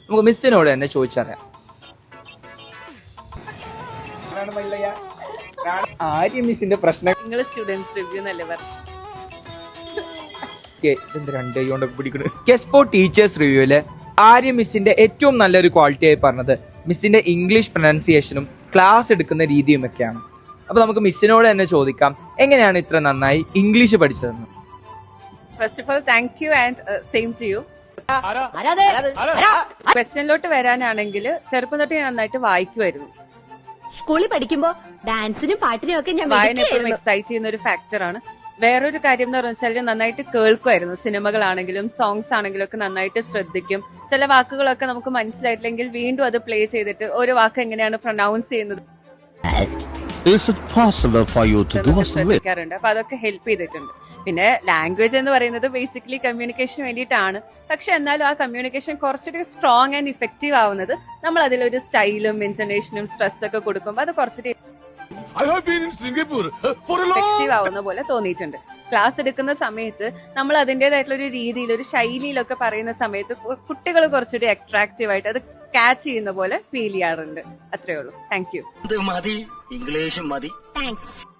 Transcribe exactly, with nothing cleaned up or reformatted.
നമുക്ക് മിസ്സിനോട് തന്നെ ചോദിച്ചറിയാം. ആര്യ മിസ്സിന്റെ പ്രശ്നം നിങ്ങൾ സ്റ്റുഡൻസ് റിവ്യൂ എന്നല്ലേ പറഞ്ഞു. രണ്ട് കൊണ്ടൊക്കെ പിടിക്കുന്നത്. കെസ്പോ ടീച്ചേഴ്സ് റിവ്യൂല് ആര്യ മിസ്സിന്റെ ഏറ്റവും നല്ലൊരു ക്വാളിറ്റി ആയി പറഞ്ഞത് മിസ്സിന്റെ ഇംഗ്ലീഷ് പ്രൊനൗൺസിയേഷനും ക്ലാസ് എടുക്കുന്ന രീതിയും ഒക്കെയാണ്. അപ്പൊ നമുക്ക് മിസ്സിനോട് തന്നെ ചോദിക്കാം, എങ്ങനെയാണ് ഇത്ര നന്നായി ഇംഗ്ലീഷ് പഠിച്ചതെന്ന്. First of all thank you and same to you. ക്വസ്റ്റ്യനിലോട്ട് വരാനാണെങ്കിൽ ചെറുപ്പം തൊട്ട് ഞാൻ നന്നായിട്ട് വായിക്കുമായിരുന്നു. സ്കൂളിൽ പഠിക്കുമ്പോ ഡാൻസിനും പാട്ടിനും ഒക്കെ ഞാൻ വായന എപ്പോഴും എക്സൈറ്റ് ചെയ്യുന്ന ഒരു ഫാക്ടറാണ്. വേറൊരു കാര്യം എന്ന് പറഞ്ഞാൽ നന്നായിട്ട് കേൾക്കുമായിരുന്നു. സിനിമകളാണെങ്കിലും സോങ്സ് ആണെങ്കിലും ഒക്കെ നന്നായിട്ട് ശ്രദ്ധിക്കും. ചില വാക്കുകളൊക്കെ നമുക്ക് മനസ്സിലായിട്ടില്ലെങ്കിൽ വീണ്ടും അത് പ്ലേ ചെയ്തിട്ട് ഒരു വാക്ക് എങ്ങനെയാണ് പ്രൊനൗൺസ് ചെയ്യുന്നത് ശ്രദ്ധിക്കാറുണ്ട്. അപ്പൊ അതൊക്കെ ഹെൽപ്പ് ചെയ്തിട്ടുണ്ട്. പിന്നെ ലാംഗ്വേജ് എന്ന് പറയുന്നത് ബേസിക്കലി കമ്മ്യൂണിക്കേഷന് വേണ്ടിയിട്ടാണ്. പക്ഷെ എന്നാലും ആ കമ്മ്യൂണിക്കേഷൻ കുറച്ചുകൂടി സ്ട്രോങ് ആൻഡ് ഇഫക്റ്റീവ് ആവുന്നത് നമ്മൾ അതിലൊരു സ്റ്റൈലും ഇന്റർനേഷനും സ്ട്രെസ് ഒക്കെ കൊടുക്കുമ്പോൾ അത് കുറച്ചുകൂടി എഫക്റ്റീവ് ആവുന്ന പോലെ തോന്നിയിട്ടുണ്ട്. ക്ലാസ് എടുക്കുന്ന സമയത്ത് നമ്മൾ അതിന്റേതായിട്ടുള്ള ഒരു രീതിയിൽ ഒരു ശൈലിയിലൊക്കെ പറയുന്ന സമയത്ത് കുട്ടികൾ കുറച്ചുകൂടി അട്രാക്റ്റീവ് ആയിട്ട് അത് ക്യാച്ച് ചെയ്യുന്ന പോലെ ഫീൽ ചെയ്യാറുണ്ട്. അത്രേ ഉള്ളൂ. Thank you. മതി ഇംഗ്ലീഷും മതി. താങ്ക്സ്.